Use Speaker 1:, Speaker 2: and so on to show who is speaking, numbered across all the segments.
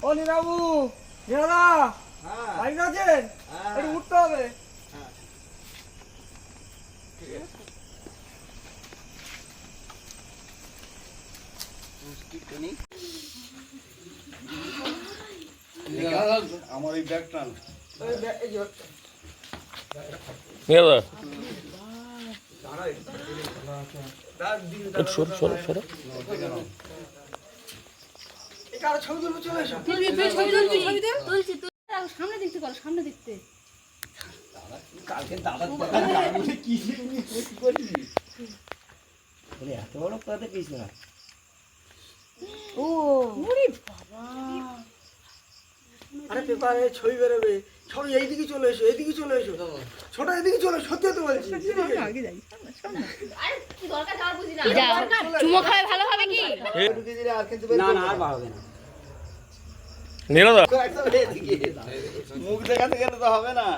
Speaker 1: ও নীরাবু, নীরাদা, বাড়িতে আছেন? একটু উঠতে হবে।
Speaker 2: আমার এই ব্যাগটা
Speaker 1: ছবি তুলবো, চলে এসো।
Speaker 3: সামনে দেখতে করো, সামনে দেখতে।
Speaker 1: কালকে দাদা কি করবি? এত বড় কথা কিছু না।
Speaker 3: ও ওরে বাবা,
Speaker 1: আরে পেপারে ছবি বেরোবে, ছবি এইদিকে চলে এসো, এইদিকে চলে এসো, ছোট এদিকে চলে, সত্যি তো বলছি।
Speaker 3: চুমো খাওয়া ভালো হবে কি?
Speaker 1: না না, আর বাড়বে না।
Speaker 2: নীরদা
Speaker 1: মুখ দেখাতে গেলে তো হবে না,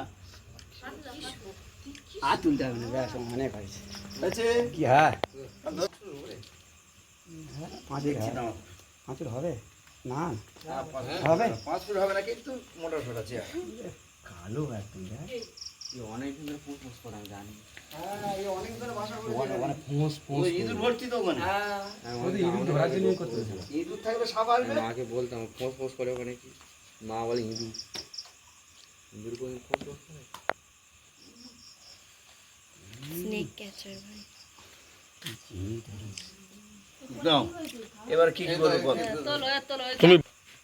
Speaker 1: আর তুলতে হবে না, ব্যাস অনেক হয়েছে। কি হ্যাঁ, পাঁচের হবে না, হবে 5 ফুট হবে না, কিন্তু মোটর ফোট আছে। কালো একদম অনেকদিন ধরে পোস্ট করে আমি জানি। হ্যাঁ, এই অনেক ধরে বাসা করে মানে পোস্ট ইঁদুর ভর্তি তো ওখানে। হ্যাঁ, ওই ইঁদুর ধরার জন্যই করতে হয়েছিল। ইঁদুর থাকলে সাপ আসবে। মাকে বলতাম পোস্ট করে ওখানে, কি মা বলে ইঁদুর কোন পোস্ট করে
Speaker 3: স্নেক ক্যাচার ভাই।
Speaker 1: দাও এবার কি করব বল।
Speaker 2: তুমি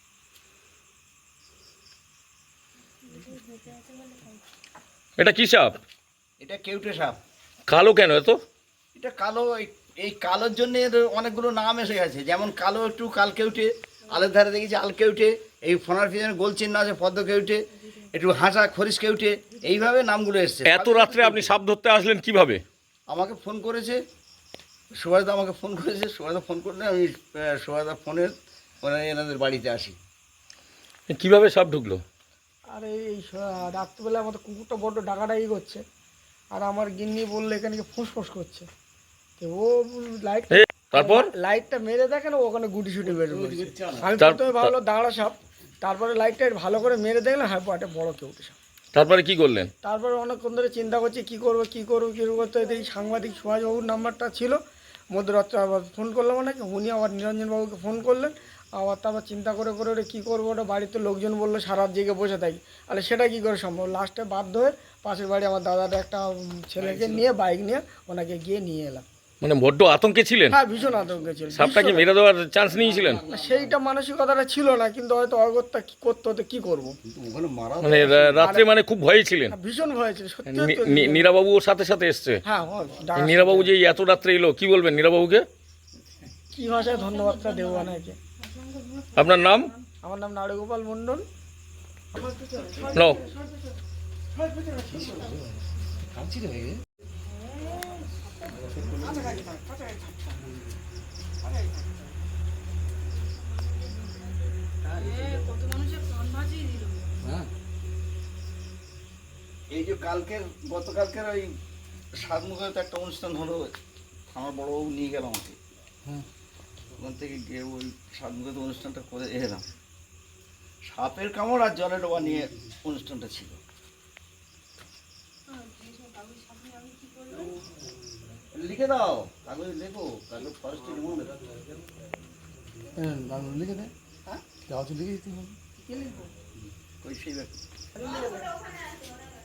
Speaker 2: এটা কি সাপ?
Speaker 1: এটা কেউটে সাপ।
Speaker 2: কালো কেন এত?
Speaker 1: এটা কালো, এই কালোর জন্য এর অনেকগুলো নাম এসে গেছে। যেমন কালো একটু কাল কেউটে, আলের ধারে দেখেছি আল কেউটে, এই ফোনার পিছনে গোল চিহ্ন আছে পদ্ম কেউটে, একটু হাসা খরিশ কেউটে, এইভাবে নামগুলো এসছে।
Speaker 2: এত রাত্রে আপনি সাপ ধরতে আসলেন কিভাবে?
Speaker 1: আমাকে ফোন করেছে সুভাষদা, আমাকে ফোন করেছে। সুভাষদা ফোন করলে আমি সুভাষদা ফোনের এনাদের বাড়িতে আসি।
Speaker 2: কিভাবে সাপ ঢুকলো?
Speaker 4: আর এই রাত্রিবেলা আমাদের কুকুরটা বড্ড ডাকাডাকি করছে, আর আমার গিন্নি বললো এখানে কি ফুসফুস করছে। তো ও লাইট,
Speaker 2: তারপর
Speaker 4: লাইটটা মেরে দেখে না, ওখানে গুটি শুটি বের করছে। আমি প্রথমে ভাবলো দাঁড়া সাপ, তারপরে লাইটটা ভালো করে মেরে দেখলাম হ্যাঁ একটা বড় কেউটে সাপ।
Speaker 2: তারপরে কি করলেন?
Speaker 4: তারপরে অনেকক্ষণ ধরে চিন্তা করছি কী করতে দেখি সাংবাদিক সুভাষবাবুর নাম্বারটা ছিল। মধ্যরাত্রে আবার ফোন করলাম অনেকে, উনি আবার নিরঞ্জনবাবুকে ফোন করলেন। আবার তারপর চিন্তা করে ওটা কী করবো, ওটা বাড়িতে লোকজন বললো সারা রাত জেগে বসে থাকি, তাহলে সেটা কী করে সম্ভব। লাস্টে বাধ্য হয়ে পাশের বাড়ি আমার দাদার একটা ছেলেকে নিয়ে বাইক নিয়ে ওনাকে গিয়ে নিয়ে এলাম।
Speaker 2: মানে বড্ড আতঙ্কে ছিলেন?
Speaker 4: হ্যাঁ, ভীষণ আতঙ্কে ছিল।
Speaker 2: সাপটাকে মেরে দেওয়ার চান্স নিয়েছিলেন?
Speaker 4: সেইটা মানসিকতাটা ছিল না, কিন্তু হয়তো অগত্যা কী করতে হতো, কী করবো।
Speaker 2: মানে রাত্রে মানে খুব ভয়ে ছিলেন?
Speaker 4: ভীষণ ভয় ছিল সত্যি।
Speaker 2: নীরাবাবু ওর সাথে সাথে এসছে?
Speaker 4: হ্যাঁ,
Speaker 2: নীরাবাবু যে এত রাত্রে এলো, কি বলবেন নীরাবাবুকে?
Speaker 4: কি ভাষায় ধন্যবাদটা দেবো ওনাকে।
Speaker 2: আপনার নাম?
Speaker 4: আমার নাম নারীগোপাল মণ্ডল।
Speaker 2: নাও।
Speaker 1: এই যে গতকালকের ওই সাতমুখে একটা অনুষ্ঠান হলো, আমার বড়বাবু নিয়ে গেল আমাকে। ওখান থেকে গিয়ে ওই সাতমুখে অনুষ্ঠানটা করে এলাম। সাপের কামড় আর জলে ডোবা নিয়ে অনুষ্ঠানটা ছিল। লিখে দাও, কাগজে লেখো, কাগজ ফরেস্টে
Speaker 4: লিখে দে। হ্যাঁ, লিখে দিতে হবে।
Speaker 1: ওই সেই ব্যাপার।